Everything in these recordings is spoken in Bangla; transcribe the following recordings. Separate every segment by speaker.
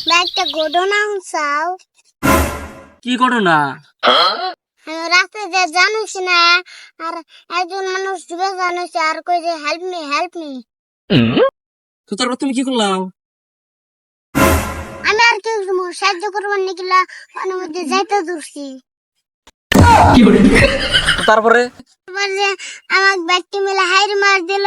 Speaker 1: একটা ঘটনা চাও।
Speaker 2: কি ঘটনা?
Speaker 1: রাস্তায় যে জানিস না, আর একজন মানুষ ডুবে জানিস আর কই যে হেল্প মি হেল্প মি।
Speaker 2: তো তারপর তুমি কি করলাম?
Speaker 1: আমি আর কেউ সাহায্য করবার নিকিলা পানির মধ্যে যাইতে দূরছি।
Speaker 2: তো তারপরে
Speaker 1: এবার যে আমার ব্যক্তি মিলে হাইর মার দিল।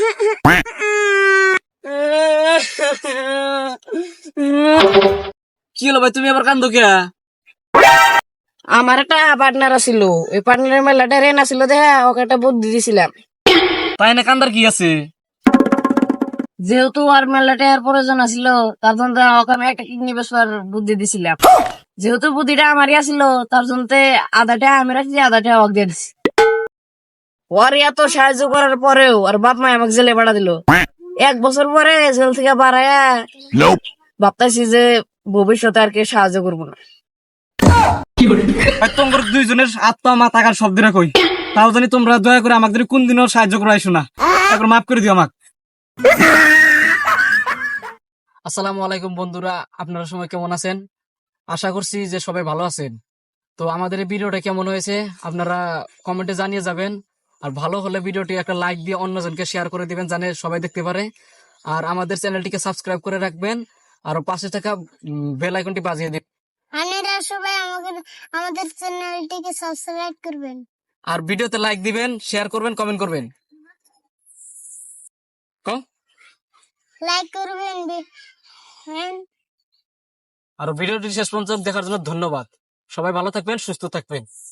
Speaker 2: কি হলো ভাই, তুমি আবার কান্দো কে?
Speaker 3: আমার একটা পার্টনার আছিল, ওই পার্টনারের মেলাটা রেন আছিল দেখা ওকে একটা বুদ্ধি দিছিলাম।
Speaker 2: তাই না, কান্দার কি আছে?
Speaker 3: যেহেতু আর মেলাটার প্রয়োজন আছিল, তার জন্য ওকে আমি একটা কিডনি বেচবার বুদ্ধি দিছিলাম। যেহেতু বুদ্ধিটা আমারই আছিল, তার জন্য আধাটা আমি রাখছি, আধাটা ওকে দিয়ে দিছি। ওর এত সাহায্য করার পরেও আর বাপ মা আমাকে জেলে পাঠা দিল। 1 বছর পরে জেল থেকে বাড়ায়া ভাবতেছি যে ভবিষ্যতে আর কে সাহায্য করবো না।
Speaker 2: ভাই তোমার দুইজনের আত্মা মা থাকার সব দিনে কই, তাও জানি তোমরা দয়া করে আমাকে কোন দিনও সাহায্য করে আইসো না। একবার মাফ করে দিও আমাকে। আসসালামু আলাইকুম বন্ধুরা, আপনারা সবাই কেমন আছেন? আশা করছি যে সবাই ভালো আছেন। তো আমাদের এই ভিডিওটা কেমন হয়েছে আপনারা কমেন্টে জানিয়ে যাবেন। আর ভালো হলে ভিডিওটি একটা লাইক দিয়ে অন্যজনকে শেয়ার করে দিবেন, জানে সবাই দেখতে পারে। আর আমাদের চ্যানেলটিকে সাবস্ক্রাইব করে রাখবেন, আর পাশে থাকা বেল আইকনটি বাজিয়ে দিবেন।
Speaker 1: আপনারা সবাই আমাদের চ্যানেলটিকে সাবস্ক্রাইব করবেন।
Speaker 2: আর ভিডিওতে লাইক দিবেন, শেয়ার করবেন, কমেন্ট করবেন।
Speaker 1: লাইক করবেন।
Speaker 2: আর ভিডিওটি শেষ পর্যন্ত দেখার জন্য ধন্যবাদ। সবাই ভালো থাকবেন, সুস্থ থাকবেন।